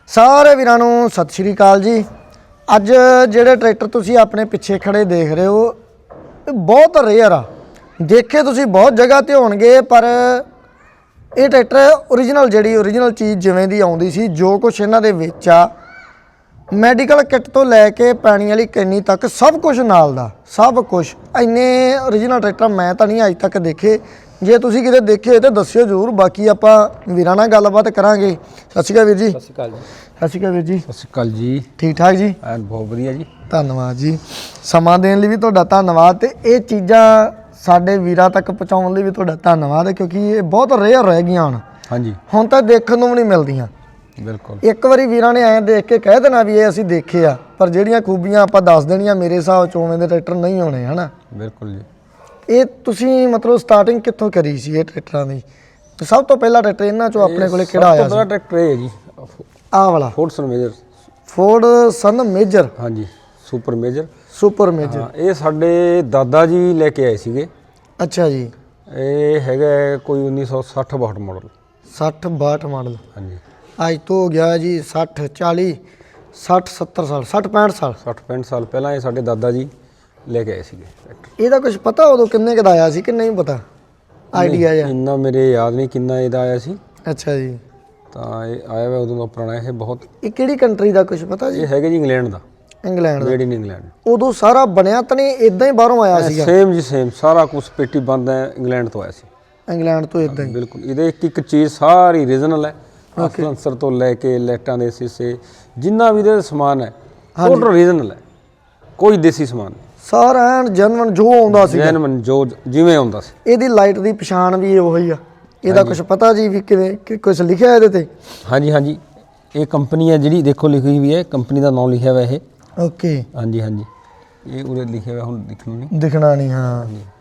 ਸਾਰੇ ਵੀਰਾਂ ਨੂੰ ਸਤਿ ਸ਼੍ਰੀ ਅਕਾਲ ਜੀ। ਅੱਜ ਜਿਹੜੇ ਟਰੈਕਟਰ ਤੁਸੀਂ ਆਪਣੇ ਪਿੱਛੇ ਖੜੇ ਦੇਖ ਰਹੇ ਹੋ ਇਹ ਬਹੁਤ ਰੇਅਰ ਆ। ਦੇਖੇ ਤੁਸੀਂ ਬਹੁਤ ਜਗ੍ਹਾ ਤੇ ਹੋਣਗੇ, ਪਰ ਇਹ ਟਰੈਕਟਰ ਓਰੀਜਨਲ ਚੀਜ਼ ਜਿਵੇਂ ਦੀ ਆਉਂਦੀ ਸੀ, ਜੋ ਕੁਝ ਇਹਨਾਂ ਦੇ ਵਿੱਚ ਆ, ਮੈਡੀਕਲ ਕਿੱਟ ਤੋਂ ਲੈ ਕੇ ਪਾਣੀ ਵਾਲੀ ਕੈਨੀ ਤੱਕ ਸਭ ਕੁਝ ਨਾਲ ਦਾ, ਸਭ ਕੁਝ। ਇੰਨੇ ਓਰੀਜਨਲ ਟਰੈਕਟਰ ਮੈਂ ਤਾਂ ਨਹੀਂ ਅੱਜ ਤੱਕ ਦੇਖੇ। ਜੇ ਤੁਸੀਂ ਕਿਤੇ ਦੇਖੇ ਤਾਂ ਦੱਸਿਓ ਜ਼ਰੂਰ। ਬਾਕੀ ਆਪਾਂ ਵੀਰਾਂ ਨਾਲ ਗੱਲਬਾਤ ਕਰਾਂਗੇ। ਸਤਿ ਸ਼੍ਰੀ ਅਕਾਲ ਵੀਰ ਜੀ। ਸਤਿ ਸ਼੍ਰੀ ਅਕਾਲ ਜੀ। ਸਤਿ ਸ਼੍ਰੀ ਅਕਾਲ ਵੀਰ ਜੀ। ਸਤਿ ਸ਼੍ਰੀ ਅਕਾਲ ਜੀ। ਠੀਕ ਠਾਕ ਜੀ? ਬਹੁਤ ਵਧੀਆ ਜੀ। ਧੰਨਵਾਦ ਜੀ। ਸਮਾਂ ਦੇਣ ਲਈ ਵੀ ਤੁਹਾਡਾ ਧੰਨਵਾਦ, ਤੇ ਇਹ ਚੀਜ਼ਾਂ ਸਾਡੇ ਵੀਰਾਂ ਤੱਕ ਪਹੁੰਚਾਉਣ ਲਈ ਵੀ ਤੁਹਾਡਾ ਧੰਨਵਾਦ, ਕਿਉਂਕਿ ਇਹ ਬਹੁਤ ਰੇਅਰ ਰਹਿ ਗਈਆਂ ਹੁਣ ਤਾਂ ਦੇਖਣ ਨੂੰ ਵੀ ਨਹੀਂ ਮਿਲਦੀਆਂ। ਬਿਲਕੁਲ। ਇੱਕ ਵਾਰੀ ਵੀਰਾਂ ਨੇ ਐਂ ਦੇਖ ਕੇ ਕਹਿ ਦੇਣਾ ਵੀ ਇਹ ਅਸੀਂ ਦੇਖੇ ਆ, ਪਰ ਜਿਹੜੀਆਂ ਖੂਬੀਆਂ ਆਪਾਂ ਦੱਸ ਦੇਣੀਆਂ ਮੇਰੇ ਹਿਸਾਬ 'ਚ ਉਵੇਂ ਦੇ ਟਰੈਕਟਰ ਨਹੀਂ ਹੋਣੇ, ਹਨਾ? ਬਿਲਕੁਲ ਜੀ। ਇਹ ਤੁਸੀਂ ਮਤਲਬ ਸਟਾਰਟਿੰਗ ਕਿੱਥੋਂ ਕਰੀ ਸੀ ਇਹ ਟਰੈਕਟਰਾਂ ਦੀ? ਤੇ ਸਭ ਤੋਂ ਪਹਿਲਾ ਟਰੈਕਟਰ ਇਹਨਾਂ 'ਚੋਂ ਆਪਣੇ ਕੋਲੇ ਕਿਹੜਾ ਆਇਆ ਸੀ? ਪਹਿਲਾ ਟਰੈਕਟਰ ਇਹ ਹੈ ਜੀ, ਆਹ ਵਾਲਾ ਫੋਰਡ ਸਨ ਮੇਜਰ। ਹਾਂਜੀ, ਸੁਪਰ ਮੇਜਰ। ਇਹ ਸਾਡੇ ਦਾਦਾ ਜੀ ਲੈ ਕੇ ਆਏ ਸੀਗੇ। ਅੱਛਾ ਜੀ। ਇਹ ਹੈਗਾ ਕੋਈ 1960-62 ਮਾਡਲ। 60-62 ਮਾਡਲ। ਹਾਂਜੀ। ਅੱਜ ਤੋਂ ਹੋ ਗਿਆ ਜੀ 60-40 60-70 ਸਾਲ, 60-65 ਸਾਲ 60-65 ਸਾਲ ਪਹਿਲਾਂ ਇਹ ਸਾਡੇ ਦਾਦਾ ਜੀ ਲੈ ਕੇ ਆਏ ਸੀਗੇ ਟਰੈਕਟਰ। ਇਹਦਾ ਕੁਝ ਪਤਾ ਉਦੋਂ ਕਿੰਨੇ ਕੁ ਦਾ ਆਇਆ ਸੀ ਕਿ ਨਹੀਂ ਪਤਾ? ਆਈਡੀਆ ਜਾਂ ਇੰਨਾ ਮੇਰੇ ਯਾਦ ਨਹੀਂ ਕਿੰਨਾ ਇਹਦਾ ਆਇਆ ਸੀ। ਅੱਛਾ ਜੀ। ਤਾਂ ਇਹ ਆਇਆ ਵਾ ਉਦੋਂ ਦਾ ਪੁਰਾਣਾ। ਇਹ ਬਹੁਤ, ਇਹ ਕਿਹੜੀ ਕੰਟਰੀ ਦਾ ਕੁਝ ਪਤਾ ਜੀ? ਇਹ ਹੈਗਾ ਜੀ ਇੰਗਲੈਂਡ ਦਾ। ਇੰਗਲੈਂਡ ਦਾ। Made in England. ਉਦੋਂ ਸਾਰਾ ਬਣਿਆ ਤਾਂ ਨਹੀਂ, ਇਦਾਂ ਹੀ ਬਾਹਰੋਂ ਆਇਆ ਸੀਗਾ? ਸੇਮ ਜੀ ਸੇਮ, ਸਾਰਾ ਕੁਝ ਪੇਟੀ ਬੰਦ ਹੈ, ਇੰਗਲੈਂਡ ਤੋਂ ਆਇਆ ਸੀ। ਇੰਗਲੈਂਡ ਤੋਂ ਇਦਾਂ ਹੀ? ਬਿਲਕੁਲ। ਇਹਦੇ ਇੱਕ ਚੀਜ਼ ਸਾਰੀ ਰੀਜਨਲ ਹੈ। ਸਲੈਂਸਰ ਤੋਂ ਲੈ ਕੇ ਲਾਈਟਾਂ ਦੇ ਸੀਸੇ, ਜਿੰਨਾ ਵੀ ਇਹਦਾ ਸਮਾਨ ਹੈ ਟੋਟਲ ਰੀਜਨਲ ਹੈ। ਕੋਈ ਦੇਸੀ ਸਮਾਨ ਨਹੀਂ, ਸਾਰਾ ਐਨ ਜੈਨੂਇਨ ਜੋ ਆਉਂਦਾ ਸੀ, ਜੈਨੂਇਨ ਜੋ ਜਿਵੇਂ ਆਉਂਦਾ ਸੀ। ਇਹਦੀ ਲਾਈਟ ਦੀ ਪਛਾਣ ਵੀ ਉਹੀ ਆ? ਇਹਦਾ ਕੁਝ ਪਤਾ ਜੀ ਵੀ ਕਿਵੇਂ ਕੁਝ ਲਿਖਿਆ ਇਹਦੇ ਤੇ? ਹਾਂਜੀ ਹਾਂਜੀ, ਇਹ ਕੰਪਨੀ ਹੈ ਜਿਹੜੀ ਦੇਖੋ ਲਿਖੀ ਹੋਈ ਹੈ, ਕੰਪਨੀ ਦਾ ਨਾਮ ਲਿਖਿਆ ਹੋਇਆ ਇਹ। ਓਕੇ। ਹਾਂਜੀ ਹਾਂਜੀ, ਇਹ ਉਰੇ ਲਿਖਿਆ ਹੋਇਆ, ਹੁਣ ਦਿਖਣਾ ਨਹੀਂ। ਹਾਂ,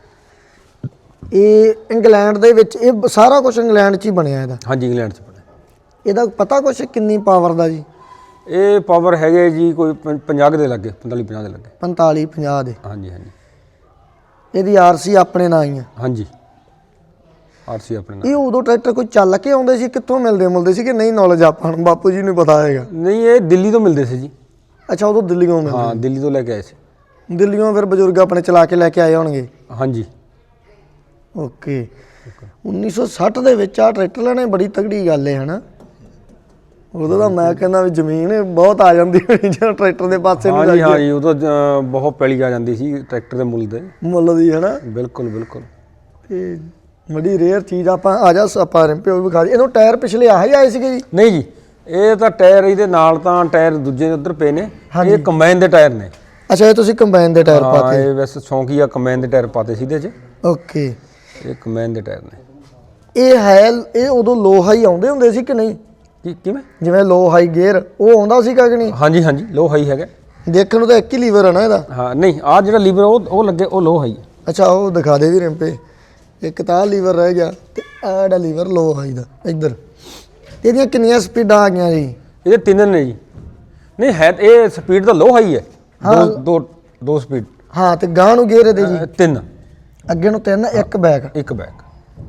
ਇਹ ਇੰਗਲੈਂਡ ਦੇ ਵਿੱਚ, ਇਹ ਸਾਰਾ ਕੁਝ ਇੰਗਲੈਂਡ 'ਚ ਹੀ ਬਣਿਆ ਇਹਦਾ? ਹਾਂਜੀ, ਇੰਗਲੈਂਡ 'ਚ ਬਣਿਆ। ਇਹਦਾ ਪਤਾ ਕੁਛ ਕਿੰਨੀ ਪਾਵਰ ਦਾ ਜੀ? ਇਹ ਪਾਵਰ ਹੈਗੇ ਜੀ ਕੋਈ 50 ਦੇ ਲੱਗੇ, 45-50 ਦੇ ਲੱਗੇ। 45-50 ਦੇ? ਹਾਂਜੀ ਹਾਂਜੀ। ਇਹਦੀ ਆਰਸੀ ਆਪਣੇ ਨਾਂ ਹੀ ਆ? ਹਾਂਜੀ, ਆਰਸੀ ਆਪਣੇ ਨਾਂ। ਇਹ ਉਦੋਂ ਟਰੈਕਟਰ ਕੋਈ ਚੱਲ ਕੇ ਆਉਂਦੇ ਸੀ, ਕਿੱਥੋਂ ਮਿਲਦੇ ਸੀ ਕਿ ਨਹੀਂ ਨੌਲੇਜ ਆਪਾਂ ਨੂੰ? ਬਾਪੂ ਜੀ ਨੂੰ ਪਤਾ ਹੈਗਾ? ਨਹੀਂ, ਇਹ ਦਿੱਲੀ ਤੋਂ ਮਿਲਦੇ ਸੀ ਜੀ। ਅੱਛਾ, ਉਦੋਂ ਦਿੱਲੀੋਂ ਮਿਲਦੇ? ਹਾਂ, ਦਿੱਲੀ ਤੋਂ ਲੈ ਕੇ ਆਏ ਸੀ। ਦਿੱਲੀੋਂ ਫਿਰ ਬਜ਼ੁਰਗ ਆਪਣੇ ਚਲਾ ਕੇ ਲੈ ਕੇ ਆਏ ਹੋਣਗੇ? ਹਾਂਜੀ। ਓਕੇ। 1960 ਦੇ ਵਿੱਚ ਆ ਟਰੈਕਟਰ ਲੈਣੇ ਬੜੀ ਤਗੜੀ ਗੱਲ ਹੈ, ਹਨਾ? ਉਦੋਂ ਤਾਂ ਮੈਂ ਕਹਿੰਦਾ ਵੀ ਜ਼ਮੀਨ ਬਹੁਤ ਆ ਜਾਂਦੀ ਹੋਣੀ ਜਦੋਂ ਟਰੈਕਟਰ ਦੇ ਪਾਸੇ ਨੂੰ ਜਾਈਏ। ਹਾਂਜੀ, ਉਦੋਂ ਬਹੁਤ ਪੈਲੀ ਆ ਜਾਂਦੀ ਸੀ ਟਰੈਕਟਰ ਦੇ ਮੁੱਲ ਦੀ, ਹਨਾ? ਬਿਲਕੁਲ ਬਿਲਕੁਲ। ਤੇ ਬੜੀ ਰੇਅਰ ਚੀਜ਼। ਆਪਾਂ ਆ ਜਾ ਆਪਾਂ ਰਿੰਪੇ ਉਹ ਵੀ ਖਾ ਜੀ। ਇਹਨੂੰ ਟਾਇਰ ਪਿਛਲੇ ਆਹੀ ਆਏ ਸੀਗੇ ਜੀ? ਨਹੀਂ ਜੀ, ਇਹ ਤਾਂ ਟਾਇਰ ਇਹਦੇ ਨਾਲ ਤਾਂ ਟਾਇਰ ਦੂਜੇ ਉੱਧਰ ਪਏ ਨੇ। ਇਹ ਕੰਬਾਈਨ ਦੇ ਟਾਇਰ ਨੇ। ਅੱਛਾ, ਇਹ ਤੁਸੀਂ ਕੰਬਾਈਨ ਦੇ ਟਾਇਰ ਪਾਤੇ? ਇਹ ਵੈਸੇ ਸ਼ੌਂਕੀ ਆ, ਕੰਬਾਈਨ ਦੇ ਟਾਇਰ ਪਾਤੇ ਸੀ ਇਹਦੇ 'ਚ। ਓਕੇ। ਇਹ ਕੰਬਾਈਨ ਦੇ ਟਾਇਰ ਨੇ। ਇਹ ਉਦੋਂ ਲੋ ਹਾਈ ਆਉਂਦੇ ਹੁੰਦੇ ਸੀ ਕਿ ਨਹੀਂ? ਕਿਵੇਂ? ਜਿਵੇਂ ਲੋ ਹਾਈ ਗੇਅਰ ਉਹ ਆਉਂਦਾ ਸੀਗਾ ਕਿ ਨਹੀਂ? ਹਾਂਜੀ ਹਾਂਜੀ, ਲੋ ਹਾਈ ਹੈਗਾ। ਦੇਖਣ ਨੂੰ ਤਾਂ ਇੱਕ ਹੀ ਲੀਵਰ ਹੈ ਨਾ ਇਹਦਾ? ਹਾਂ, ਨਹੀਂ, ਆਹ ਜਿਹੜਾ ਲੀਵਰ ਉਹ ਲੱਗੇ, ਉਹ ਲੋ ਹਾਈ। ਅੱਛਾ, ਉਹ ਦਿਖਾ ਦੇ ਵੀ ਰਿੰਪੇ। ਇੱਕ ਤਾਂ ਲੀਵਰ ਰਹਿ ਗਿਆ ਤੇ ਆਹ ਜਿਹੜਾ ਲੀਵਰ ਲੋ ਹਾਈ ਦਾ ਇੱਧਰ। ਇਹਦੀਆਂ ਕਿੰਨੀਆਂ ਸਪੀਡਾਂ ਆ ਗਈਆਂ ਜੀ? ਇਹਦੇ 3 ਨੇ ਜੀ। ਨਹੀਂ ਹੈ, ਇਹ ਸਪੀਡ ਤਾਂ ਲੋ ਹਾਈ ਹੈ। ਦੋ ਸਪੀਡ। ਹਾਂ, ਤੇ ਗਾਂ ਨੂੰ ਗੇਅਰ ਇਹਦੇ ਜੀ? 3। ਅੱਗੇ ਨੂੰ 3, ਇੱਕ ਬੈਕ। ਇੱਕ ਬੈਕ।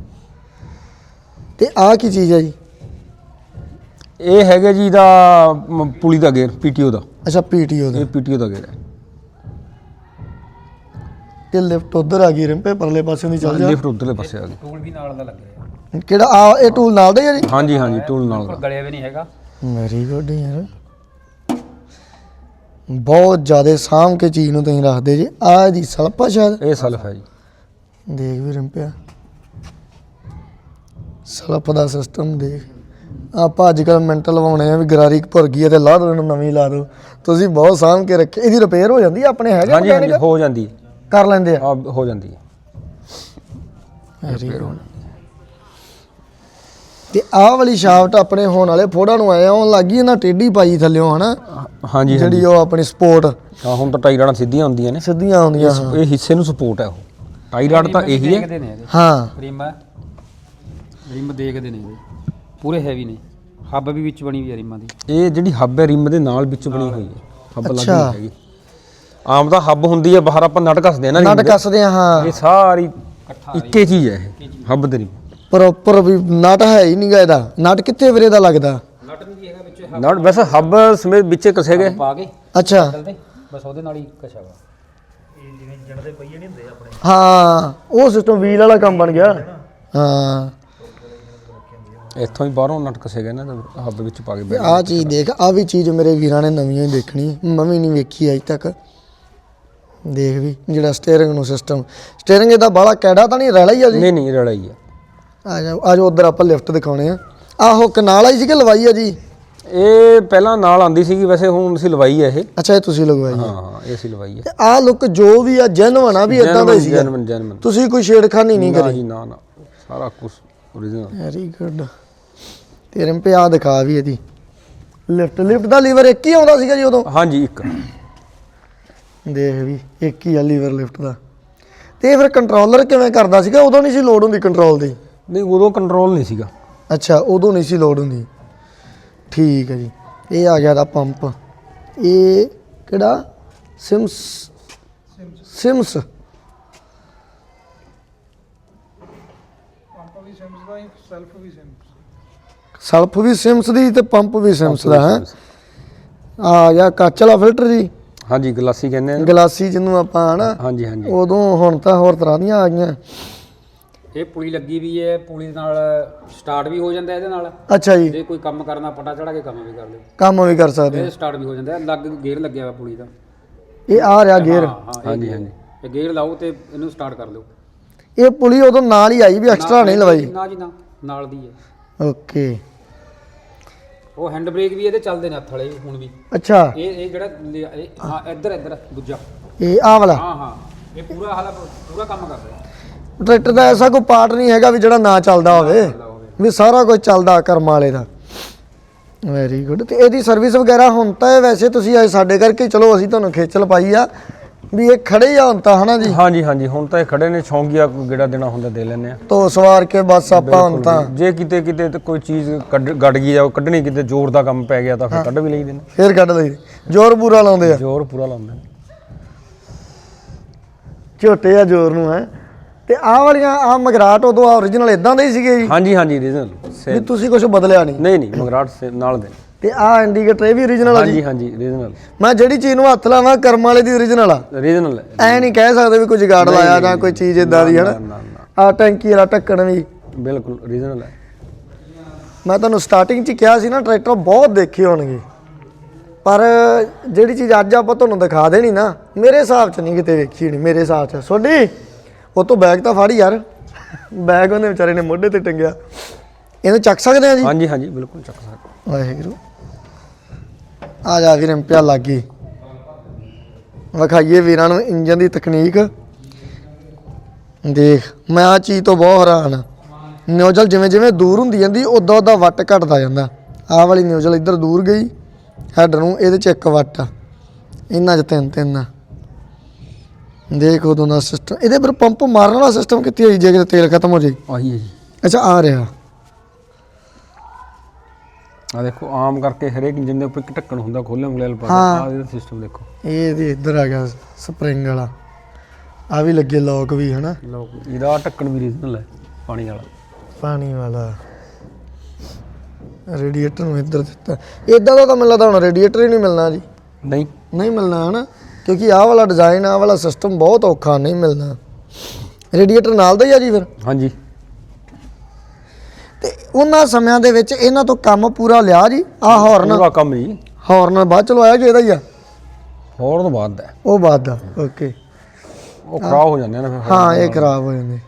ਤੇ ਆਹ ਕੀ ਚੀਜ਼ ਹੈ ਜੀ? ਇਹ ਹੈਗਾ ਜੀ ਇਹਦਾ ਪੁਲੀ ਦਾ ਗੇਅਰ, ਪੀਟੀਓ ਦਾ। ਅੱਛਾ, ਪੀਟੀਓ ਦਾ। ਇਹ ਪੀਟੀਓ ਦਾ ਗੇਅਰ ਹੈ। ਤੇ ਲਿਫਟ ਉਧਰ ਆ ਗਈ ਰਿੰਪੇ, ਪਰਲੇ ਪਾਸੇ ਦੀ ਚੱਲ ਜਾ। ਲਿਫਟ ਉਧਰਲੇ ਪਾਸੇ ਆ ਗਈ। ਟੂਲ ਵੀ ਨਾਲ ਦਾ ਲੱਗ ਰਿਹਾ। ਕਿਹੜਾ? ਆ ਇਹ ਟੂਲ ਨਾਲ ਦਾ ਹੀ ਆ ਜੀ? ਹਾਂਜੀ ਹਾਂਜੀ, ਟੂਲ ਨਾਲ ਦਾ। ਗਲਿਆ ਵੀ ਨਹੀਂ ਹੈਗਾ। ਵੈਰੀ ਗੁੱਡ ਯਾਰ, ਬਹੁਤ ਜ਼ਿਆਦਾ ਸਾਂਭ ਕੇ ਚੀਜ਼ ਨੂੰ ਤੁਸੀਂ ਰੱਖਦੇ ਜੀ। ਆਹ ਇਹਦੀ ਸਲਪ ਆ ਸ਼ਾਇਦ? ਇਹ ਸਲਫ ਹੈ ਜੀ। ਦੇਖ ਵੀ ਰਿੰਪਿਆ, ਸਲਪ ਦਾ ਸਿਸਟਮ ਦੇਖ। ਆਪਾਂ ਅੱਜ ਕੱਲ੍ਹ ਮਿੰਟ ਲਵਾਉਣੇ ਆ ਵੀ ਗਰਾਰੀ ਭੁਰ ਗਈ ਹੈ ਤੇ ਲਾ ਦੋ ਇਹਨੂੰ, ਨਵੀਂ ਲਾ ਦੋ। ਤੁਸੀਂ ਬਹੁਤ ਸਾਂਭ ਕੇ ਰੱਖੇ। ਇਹਦੀ ਰਿਪੇਅਰ ਹੋ ਜਾਂਦੀ ਹੈ ਆਪਣੇ? ਹੈਗੇ ਹਾਂਜੀ ਹਾਂਜੀ, ਹੋ ਜਾਂਦੀ ਹੈ। ਕਰ ਲੈਂਦੇ ਆ? ਹੋ ਜਾਂਦੀ ਹੈ। Very good. ਤੇ ਆਹ ਵਾਲੀ ਸ਼ਾਫਟ ਆਪਣੇ ਹੋਣ ਵਾਲੇ ਫੋੜਾਂ ਨੂੰ ਆਇਆ ਆਉਣ ਲੱਗੀ, ਇਹਨਾਂ ਟੇਢੀ ਪਾਈ ਥੱਲਿਓ, ਹਨਾ? ਹਾਂਜੀ, ਜਿਹੜੀ ਉਹ ਆਪਣੀ ਸਪੋਰਟ। ਹਾਂ, ਹੁਣ ਤਾਂ ਟਾਈ ਰਾਡਾਂ ਸਿੱਧੀਆਂ ਹੁੰਦੀਆਂ ਨੇ। ਸਿੱਧੀਆਂ ਆਉਂਦੀਆਂ। ਇਹ ਹਿੱਸੇ ਨੂੰ ਸਪੋਰਟ ਹੈ। ਉਹ ਟਾਈ ਰਾਡ ਤਾਂ ਇਹੀ ਹੈ। ਹਾਂ, ਰਿਮ ਦੇਖਦੇ ਨੇ ਪੂਰੇ ਹੈਵੀ ਨੇ। ਹੱਬ ਵੀ ਵਿੱਚ ਬਣੀ ਹੋਈ ਹੈ ਰਿਮਾਂ ਦੀ। ਇਹ ਜਿਹੜੀ ਹੱਬ ਹੈ ਰਿਮ ਦੇ ਨਾਲ ਵਿੱਚ ਬਣੀ ਹੋਈ ਹੈ। ਹੱਬ ਲੱਗੀ ਹੈਗੀ। ਆਮ ਤਾਂ ਹੱਬ ਹੁੰਦੀ ਹੈ ਬਾਹਰ, ਆਪਾਂ ਨਟ ਕੱਸਦੇ ਆ ਨਾ। ਨਟ ਕੱਸਦੇ ਆ। ਹਾਂ, ਇਹ ਸਾਰੀ ਇੱਕੇ ਚੀਜ਼ ਹੈ ਇਹ ਹੱਬ ਦੇ ਰਿਮ। ਪ੍ਰੋਪਰ ਵੀ ਨਟ ਹੈ ਹੀ ਨਹੀਂਗਾ ਇਹਦਾ। ਨਟ ਕਿੱਥੇ ਵੀਰੇ ਦਾ ਲੱਗਦਾ? ਨਟ ਨਹੀਂ ਹੈਗਾ ਵਿੱਚ। ਵਿੱਚ ਨਾਟ ਵੈਸੇ ਹੱਬ ਸਮੇਤ ਵਿੱਚੇ ਕਸੇ ਗਏ। ਪਾ ਕੇ ਅੱਛਾ ਚੱਲਦੇ ਬਸ ਉਹਦੇ ਨਾਲ ਹੀ ਕਛਾ ਵਾ। ਹਾਂ ਉਹ ਸਿਸਟਮ ਵੀਲ ਵਾਲਾ ਕੰਮ ਬਣ ਗਿਆ। ਹਾਂ ਇੱਥੋਂ ਹੀ ਬਾਹਰੋਂ ਨਟ ਕਸੇ ਗਏ ਨਾ ਹੱਬ ਵਿੱਚ ਪਾ ਕੇ। ਆਹ ਚੀਜ਼ ਦੇਖ, ਆਹ ਵੀ ਚੀਜ਼ ਮੇਰੇ ਵੀਰਾਂ ਨੇ ਨਵੀਂ ਹੀ ਦੇਖਣੀ, ਮੈਂ ਵੀ ਨਹੀਂ ਵੇਖੀ ਅਜੇ ਤੱਕ। ਦੇਖ ਵੀ ਜਿਹੜਾ ਸਟੀਅਰਿੰਗ ਨੂੰ ਸਿਸਟਮ, ਸਟੀਅਰਿੰਗ ਇਹਦਾ ਬਾਹਲਾ ਕੈੜਾ ਤਾਂ ਨਹੀਂ, ਰੈਲਾ ਹੀ ਆ ਜੀ। ਨਹੀਂ ਨਹੀਂ ਰਲਾ ਹੀ ਆ। ਆ ਜਾਓ ਉਧਰ ਆਪਾਂ ਲਿਫਟ ਦਿਖਾਉਣੇ ਆ। ਆਹੋ ਕਨਾਲ ਆਈ ਸੀ ਕਿ ਲਵਾਈ ਆ ਜੀ? ਇਹ ਪਹਿਲਾਂ ਨਾਲ ਆਂਦੀ ਸੀਗੀ, ਵੈਸੇ ਹੁਣ ਅਸੀਂ ਲਵਾਈ ਆ ਇਹ। ਅੱਛਾ ਇਹ ਤੁਸੀਂ ਲਗਵਾਈ ਆ। ਹਾਂ ਇਹ ਅਸੀਂ ਲਵਾਈ ਆ। ਤੇ ਆਹ ਲੁੱਕ ਜੋ ਵੀ ਆ ਜੈਨੂਅਨ ਆ ਵੀ ਇਦਾਂ ਦਾ ਹੀ ਸੀ। ਜੈਨੂਅਨ ਤੁਸੀਂ ਕੋਈ ਛੇੜਖਾਨੀ ਨਹੀਂ ਨਾ ਕਰੀ? ਜੀ ਨਾ ਨਾ, ਸਾਰਾ ਕੁਝ ਓਰੀਜਨਲ। Very good. ਤੇਰੇ ਪੇ ਆ ਦਿਖਾ ਵੀ ਇਹਦੀ ਲਿਫਟ ਦਾ ਲੀਵਰ ਇੱਕ ਹੀ ਆਉਂਦਾ ਸੀਗਾ ਜੀ ਉਦੋਂ? ਹਾਂਜੀ ਇੱਕ। ਦੇਖ ਵੀ ਇੱਕ ਹੀ ਆ ਲੀਵਰ ਲਿਫਟ ਦਾ। ਤੇ ਫਿਰ ਕੰਟਰੋਲਰ ਕਿਵੇਂ ਕਰਦਾ ਸੀਗਾ? ਉਦੋਂ ਨਹੀਂ ਸੀ ਲੋਡ ਹੁੰਦੀ ਕੰਟਰੋਲ ਦੀ? ਨਹੀਂ ਉਦੋਂ ਕੰਟਰੋਲ ਨਹੀਂ ਸੀਗਾ। ਅੱਛਾ ਉਦੋਂ ਨਹੀਂ ਸੀ ਲੋਡ ਹੁੰਦੀ, ਠੀਕ ਹੈ ਜੀ। ਇਹ ਆ ਗਿਆ ਦਾ ਪੰਪ, ਇਹ ਕਿਹੜਾ ਸਿਮਸ ਸੈਲਫ ਵੀ ਸਿਮਸ ਦੀ ਤੇ ਪੰਪ ਵੀ ਸਿਮਸ ਦਾ ਹੈ। ਆ ਗਿਆ ਕੱਚ ਵਾਲਾ ਫਿਲਟਰ ਜੀ। ਹਾਂਜੀ ਗਲਾਸੀ ਕਹਿੰਦੇ ਆ। ਗਲਾਸੀ ਜਿਹਨੂੰ ਆਪਾਂ ਹਨਾ। ਹਾਂਜੀ ਹਾਂਜੀ। ਉਦੋਂ ਹੁਣ ਤਾਂ ਹੋਰ ਤਰ੍ਹਾਂ ਦੀਆਂ ਆ ਗਈਆਂ। ਇਹ ਪੁਲੀ ਲੱਗੀ ਵੀ ਹੈ, ਪੁਲੀ ਨਾਲ ਸਟਾਰਟ ਵੀ ਹੋ ਜਾਂਦਾ ਇਹਦੇ ਨਾਲ। ਅੱਛਾ ਜੀ। ਜੇ ਕੋਈ ਕੰਮ ਕਰਨਾ ਪਟਾ ਚੜਾ ਕੇ ਕੰਮ ਵੀ ਕਰ ਲਿਓ, ਕੰਮ ਵੀ ਕਰ ਸਕਦੇ ਇਹ ਸਟਾਰਟ ਵੀ ਹੋ ਜਾਂਦਾ। ਲੱਗ ਗੇਅਰ ਲੱਗਿਆ ਹੋਇਆ ਪੁਲੀ ਦਾ। ਇਹ ਆ ਰਿਹਾ ਗੇਅਰ। ਹਾਂਜੀ ਹਾਂਜੀ। ਇਹ ਗੇਅਰ ਲਾਓ ਤੇ ਇਹਨੂੰ ਸਟਾਰਟ ਕਰ ਲਿਓ। ਇਹ ਪੁਲੀ ਉਦੋਂ ਨਾਲ ਹੀ ਆਈ ਵੀ ਐਕਸਟਰਾ ਨਹੀਂ ਲਵਾਈ? ਨਾ ਜੀ ਨਾ, ਨਾਲ ਦੀ ਹੈ। ਓਕੇ। ਉਹ ਹੈਂਡ ਬ੍ਰੇਕ ਵੀ ਇਹਦੇ ਚੱਲਦੇ ਨੇ ਹੱਥ ਵਾਲੇ ਹੁਣ ਵੀ। ਅੱਛਾ ਇਹ ਜਿਹੜਾ ਹਾਂ ਇੱਧਰ ਦੂਜਾ, ਇਹ ਆਹ ਵਾਲਾ? ਹਾਂ ਇਹ ਪੂਰਾ ਕੰਮ ਕਰਦਾ। ਟਰੈਕਟਰ ਦਾ ਐਸਾ ਕੋਈ ਪਾਰਟ ਨਹੀਂ ਹੈਗਾ ਵੀ ਜਿਹੜਾ ਨਾ ਚੱਲਦਾ ਹੋਵੇ, ਵੀ ਸਾਰਾ ਕੁਝ ਚੱਲਦਾ ਕਰਮ ਵਾਲੇ ਦਾ। Very good. ਤੇ ਇਹਦੀ ਸਰਵਿਸ ਵਗੈਰਾ ਹੁਣ ਤਾਂ ਵੈਸੇ ਤੁਸੀਂ ਆਏ ਸਾਡੇ ਕਰਕੇ, ਚਲੋ ਅਸੀਂ ਤੁਹਾਨੂੰ ਖੇਚਲ ਪਾਈ ਆ ਵੀ ਇਹ ਖੜੇ ਆ ਹੁਣ ਤਾਂ ਹਨਾ ਜੀ? ਹਾਂਜੀ ਹਾਂਜੀ ਹੁਣ ਤਾਂ ਇਹ ਖੜੇ ਨੇ, ਸ਼ੌਂਕੀਆ ਕੋਈ ਗੇੜਾ ਦੇਣਾ ਹੁੰਦਾ ਦੇ ਲੈਂਦੇ ਆ। ਤੋ ਸਵਾਰ ਕੇ ਬਸ ਆਪਾਂ ਹੁਣ ਤਾਂ ਜੇ ਕਿਤੇ ਤੇ ਕੋਈ ਚੀਜ਼ ਗੱਡ ਗਈ ਜਾਂ ਕੱਢਣੀ, ਕਿਤੇ ਜ਼ੋਰ ਦਾ ਕੰਮ ਪੈ ਗਿਆ ਤਾਂ ਫਿਰ ਕੱਢ ਵੀ ਲਈਦੇ ਨੇ। ਫੇਰ ਕੱਢ ਲਈ, ਜ਼ੋਰ ਪੂਰਾ ਲਾਉਂਦੇ ਆ। ਜ਼ੋਰ ਪੂਰਾ ਲਾਉਂਦੇ ਨੇ, ਝੋਟੇ ਆ ਜ਼ੋਰ ਨੂੰ ਹੈ। ਤੇ ਆਹ ਵਾਲੀਆਂ ਆਹ ਮਗਰਾਟ ਉਦੋਂ ਓਰੀਜਨਲ ਇਦਾਂ ਦੇ ਹੀ ਸੀਗੇ ਜੀ? ਹਾਂਜੀ ਹਾਂਜੀ ਰੀਜਨਲ ਵੀ ਤੁਸੀਂ ਕੁਝ ਬਦਲਿਆ ਨਹੀਂ? ਨਹੀਂ ਨਹੀਂ ਮਗਰਾਟ ਨਾਲ ਦੇ। ਤੇ ਆਹ ਇੰਡੀਕੇਟਰ ਇਹ ਵੀ ਓਰੀਜਨਲ ਆ ਜੀ? ਹਾਂਜੀ ਹਾਂਜੀ ਰੀਜਨਲ। ਮੈਂ ਜਿਹੜੀ ਚੀਜ਼ ਨੂੰ ਹੱਥ ਲਾਵਾਂ ਕਰਮ ਵਾਲੇ ਦੀ ਓਰੀਜਨਲ ਆ? ਰੀਜਨਲ ਐ ਨਹੀਂ ਕਹਿ ਸਕਦੇ ਵੀ ਕੋਈ ਜਗਾੜ ਲਾਇਆ ਜਾਂ ਕੋਈ ਚੀਜ਼ ਇਦਾਂ ਦੀ ਹਨਾ। ਨਾ ਨਾ ਆਹ ਟੈਂਕੀ ਵਾਲਾ ਢੱਕਣ ਵੀ ਬਿਲਕੁਲ ਰੀਜਨਲ ਹੈ। ਮੈਂ ਤੁਹਾਨੂੰ ਸਟਾਰਟਿੰਗ 'ਚ ਕਿਹਾ ਸੀ ਨਾ ਟਰੈਕਟਰ ਬਹੁਤ ਦੇਖੇ ਹੋਣਗੇ, ਪਰ ਜਿਹੜੀ ਚੀਜ਼ ਅੱਜ ਆਪਾਂ ਤੁਹਾਨੂੰ ਦਿਖਾ ਦੇਣੀ ਨਾ, ਮੇਰੇ ਹਿਸਾਬ 'ਚ ਨਹੀਂ ਕਿਤੇ ਵੇਖੀ ਹੋਣੀ। ਮੇਰੇ ਹਿਸਾਬ 'ਚ ਸੋਡੀ ਉਹ ਤੋਂ ਬੈਗ ਤਾਂ ਫੜ ਯਾਰ, ਬੈਗ ਉਹਨੇ ਵਿਚਾਰੇ ਨੇ ਮੋਢੇ ਤੇ ਟੰਗਿਆ। ਇਹਨੂੰ ਚੱਕ ਸਕਦੇ ਆ ਜੀ? ਹਾਂਜੀ ਹਾਂਜੀ ਬਿਲਕੁਲ ਚੱਕ ਸਕਦੇ। ਵਾਹਿਗੁਰੂ। ਆ ਜਾ ਵੀਰ ਪਿਆ ਲੱਗ ਗਈ, ਵਿਖਾਈਏ ਵੀਰਾਂ ਨੂੰ ਇੰਜਨ ਦੀ ਤਕਨੀਕ। ਦੇਖ ਮੈਂ ਆ ਚੀਜ਼ ਤੋਂ ਬਹੁਤ ਹੈਰਾਨ ਆ। ਨਿਊਜ਼ਲ ਜਿਵੇਂ ਜਿਵੇਂ ਦੂਰ ਹੁੰਦੀ ਜਾਂਦੀ ਉਦਾਂ ਉਦਾਂ ਵੱਟ ਘਟਦਾ ਜਾਂਦਾ। ਆਹ ਵਾਲੀ ਨਿਊਜ਼ਲ ਇੱਧਰ ਦੂਰ ਗਈ, ਹੈਡ ਨੂੰ ਇਹਦੇ 'ਚ 1 ਵੱਟ ਆ, ਇਹਨਾਂ 'ਚ 3 ਆ। ਦੇਖ ਉਦੋਂ ਦਾ ਸਿਸਟਮ। ਇਹਦੇ ਪਰ ਪੰਪ ਮਾਰਨ ਵਾਲਾ ਸਿਸਟਮ ਕਿੱਥੇ ਹੋਈ ਜੇ ਕਿਤੇ ਤੇਲ ਖਤਮ ਹੋ ਜਾਏ? ਆਹੀ ਹੈ ਜੀ। ਅੱਛਾ ਆ ਰਿਹਾ। ਆ ਦੇਖੋ ਆਮ ਕਰਕੇ ਹਰੇਕ ਇੰਜਨ ਦੇ ਉੱਪਰ ਇੱਕ ਢੱਕਣ ਹੁੰਦਾ, ਖੋਲ੍ਹਣ ਵਾਲਾ ਪਾ ਆ ਇਹਦਾ ਸਿਸਟਮ ਦੇਖੋ। ਇਹ ਇਹਦੇ ਇੱਧਰ ਆ ਗਿਆ ਸਪਰਿੰਗ ਵਾਲਾ, ਆ ਵੀ ਲੱਗੇ ਲੋਕ ਵੀ ਹਨਾ। ਇਹਦਾ ਢੱਕਣ ਵੀ ਰੀਜਨਲ ਹੈ, ਪਾਣੀ ਵਾਲਾ। ਪਾਣੀ ਵਾਲਾ ਰੇਡੀਏਟਰ ਨੂੰ ਇੱਧਰ ਦਿੱਤਾ। ਇਦਾਂ ਦਾ ਤਾਂ ਮੈਨੂੰ ਲੱਗਦਾ ਹੁਣ ਰੇਡੀਏਟਰ ਹੀ ਨਹੀਂ ਮਿਲਣਾ ਜੀ। ਨਹੀਂ ਮਿਲਣਾ ਹਨਾ, ਕਿਉਂਕਿ ਆਹ ਵਾਲਾ ਡਿਜ਼ਾਈਨ ਆਹ ਵਾਲਾ ਸਿਸਟਮ ਬਹੁਤ ਔਖਾ, ਨਹੀਂ ਮਿਲਣਾ। ਰੇਡੀਏਟਰ ਨਾਲ ਦਾ ਹੀ ਆ ਜੀ ਫਿਰ? ਹਾਂਜੀ। ਤੇ ਉਹਨਾਂ ਸਮਿਆਂ ਦੇ ਵਿੱਚ ਇਹਨਾਂ ਤੋਂ ਕੰਮ ਪੂਰਾ ਲਿਆ ਜੀ? ਆਹ ਹੌਰਨ? ਪੂਰਾ ਕੰਮ ਜੀ। ਹੌਰਨ ਬਾਅਦ ਚ ਲਵਾਇਆ ਕਿ ਇਹਦਾ ਹੀ ਆ? ਹੌਰਨ ਤੋਂ ਬਾਅਦ ਦਾ। ਉਹ ਬਾਅਦ ਦਾ, ਓਕੇ। ਉਹ ਖਰਾਬ ਹੋ ਜਾਂਦੇ ਨੇ ਫਿਰ। ਹਾਂ ਇਹ ਖਰਾਬ ਹੋ ਜਾਂਦੇ।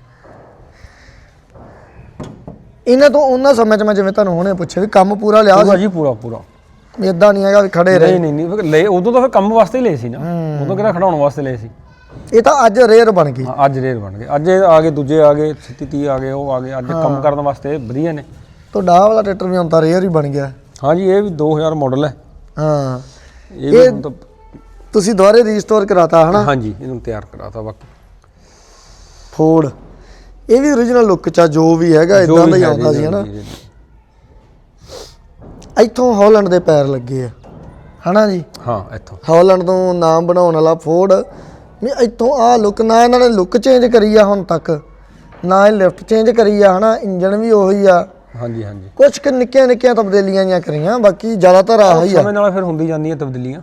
ਇਹਨਾਂ ਤੋਂ ਉਹਨਾਂ ਸਮੇਂ 'ਚ ਮੈਂ ਜਿਵੇਂ ਤੁਹਾਨੂੰ ਹੁਣੇ ਪੁੱਛਿਆ ਵੀ ਕੰਮ ਪੂਰਾ ਲਿਆ ਸੀ? ਜੀ ਪੂਰਾ ਪੂਰਾ। ਇਦਾਂ ਨਹੀਂ ਹੈਗਾ ਵੀ ਖੜੇ ਰਹੇ? ਨਹੀਂ ਲੈ, ਉਦੋਂ ਤਾਂ ਫਿਰ ਕੰਮ ਵਾਸਤੇ ਹੀ ਲਏ ਸੀ ਨਾ, ਉਦੋਂ ਕਿਹੜਾ ਖੜਾਉਣ ਵਾਸਤੇ ਲਏ ਸੀ। ਇਹ ਤਾਂ ਅੱਜ ਰੇਅਰ ਬਣ ਗਈ। ਅੱਜ ਰੇਅਰ ਬਣ ਗਏ, ਅੱਜ ਇਹ ਆ ਗਏ, ਦੂਜੇ ਆ ਗਏ, 36 ਆ ਗਏ, ਉਹ ਆ ਗਏ। ਅੱਜ ਕੰਮ ਕਰਨ ਵਾਸਤੇ ਵਧੀਆ ਨੇ। ਤੁਹਾਡਾ ਆਹ ਵਾਲਾ ਟਰੈਕਟਰ ਵੀ ਹੁਣ ਤਾਂ ਰੇਅਰ ਹੀ ਬਣ ਗਿਆ। ਹਾਂਜੀ ਇਹ ਵੀ 2000 ਮਾਡਲ ਹੈ। ਹਾਂ ਇਹ ਵੀ ਹੁਣ ਤਾਂ ਤੁਸੀਂ ਦੁਬਾਰੇ ਰੀਸਟੋਰ ਕਰਾਤਾ ਹਨਾ? ਹਾਂਜੀ ਇਹਨੂੰ ਤਿਆਰ ਕਰਾਤਾ। ਬਾਕੀ ਫੋਰਡ ਇਹ ਵੀ ਓਰੀਜਨਲ ਲੁੱਕ 'ਚ ਆ, ਜੋ ਵੀ ਹੈਗਾ ਇਦਾਂ ਦਾ ਹੀ ਆਉਂਦਾ ਸੀ ਹਨਾ। ਇੱਥੋਂ ਹਾਲੈਂਡ ਦੇ ਪੈਰ ਲੱਗੇ ਆ ਹਨਾ ਜੀ? ਹਾਂ ਇੱਥੋਂ ਹਾਲੈਂਡ ਤੋਂ ਨਾਮ ਬਣਾਉਣ ਵਾਲਾ ਫੋਰਡ ਵੀ ਇੱਥੋਂ ਆਹ ਲੁੱਕ। ਨਾ ਇਹਨਾਂ ਨੇ ਲੁੱਕ ਚੇਂਜ ਕਰੀ ਆ ਹੁਣ ਤੱਕ, ਨਾ ਇਹ ਲਿਫਟ ਚੇਂਜ ਕਰੀ ਆ ਹਨਾ। ਇੰਜਨ ਵੀ ਉਹੀ ਆ, ਹਾਂਜੀ ਹਾਂਜੀ ਕੁਝ ਕੁ ਨਿੱਕੀਆਂ ਤਬਦੀਲੀਆਂ ਜਾਂ ਕਰੀਆਂ, ਬਾਕੀ ਜ਼ਿਆਦਾਤਰ ਆਹ ਹੀ ਆ। ਸਮੇਂ ਨਾਲ ਫਿਰ ਹੁੰਦੀ ਜਾਂਦੀਆਂ ਤਬਦੀਲੀਆਂ।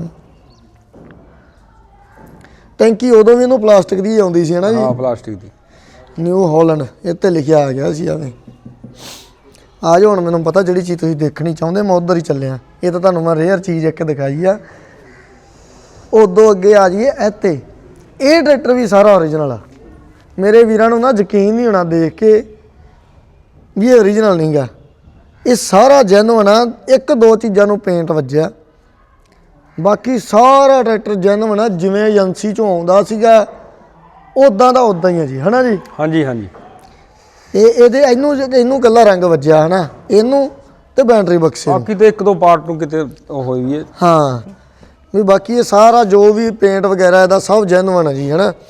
ਟੈਂਕੀ ਉਦੋਂ ਵੀ ਇਹਨੂੰ ਪਲਾਸਟਿਕ ਦੀ ਆਉਂਦੀ ਸੀ ਨਾ ਜੀ, ਹਾਂ ਪਲਾਸਟਿਕ ਦੀ। ਨਿਊ ਹਾਲੈਂਡ ਇਹ ਤੇ ਲਿਖਿਆ ਆ ਗਿਆ ਸੀ। ਆਵੇਂ ਆ ਜਾਓ ਹੁਣ, ਮੈਨੂੰ ਪਤਾ ਜਿਹੜੀ ਚੀਜ਼ ਤੁਸੀਂ ਦੇਖਣੀ ਚਾਹੁੰਦੇ ਮੈਂ ਉਧਰ ਹੀ ਚੱਲਿਆ। ਇਹ ਤਾਂ ਤੁਹਾਨੂੰ ਮੈਂ ਰੇਅਰ ਚੀਜ਼ ਇੱਕ ਦਿਖਾਈ ਆ। ਉਦੋਂ ਅੱਗੇ ਆ ਜਾਈਏ ਇੱਥੇ, ਇਹ ਟਰੈਕਟਰ ਵੀ ਸਾਰਾ ਓਰੀਜਨਲ ਆ। ਮੇਰੇ ਵੀਰਾਂ ਨੂੰ ਨਾ ਯਕੀਨ ਨਹੀਂ ਹੋਣਾ ਦੇਖ ਕੇ ਵੀ ਇਹ ਓਰੀਜਨਲ ਨਹੀਂ ਗਾ, ਇਹ ਸਾਰਾ ਜੈਨੂਅਨ ਆ। ਇੱਕ ਦੋ ਚੀਜ਼ਾਂ ਨੂੰ ਪੇਂਟ ਵੱਜਿਆ, ਬਾਕੀ ਸਾਰਾ ਟਰੈਕਟਰ ਜੈਨੂਅਨ ਆ। ਜਿਵੇਂ ਏਜੰਸੀ ਚੋਂ ਆਉਂਦਾ ਸੀਗਾ ਉਦਾਂ ਦਾ ਉਦਾਂ ਹੀ ਆ ਜੀ, ਹਨਾ ਜੀ। ਹਾਂਜੀ ਹਾਂਜੀ ਇਹਦੇ ਇਹਨੂੰ ਕੱਲਾ ਰੰਗ ਵੱਜਿਆ ਹਨਾ, ਇਹਨੂੰ ਤੇ ਬੈਟਰੀ ਬਕਸੇ ਨੂੰ। ਬਾਕੀ ਤੇ ਇੱਕ ਦੋ ਪਾਰਟ ਨੂੰ ਕਿਤੇ ਉਹ ਹੋਈ ਵੀ ਹੈ। ਹਾਂ ਵੀ ਬਾਕੀ ਇਹ ਸਾਰਾ ਜੋ ਵੀ ਪੇਂਟ ਵਗੈਰਾ ਇਹਦਾ ਸਭ ਜੈਨੂਅਨ ਹੈ ਜੀ, ਹਨਾ।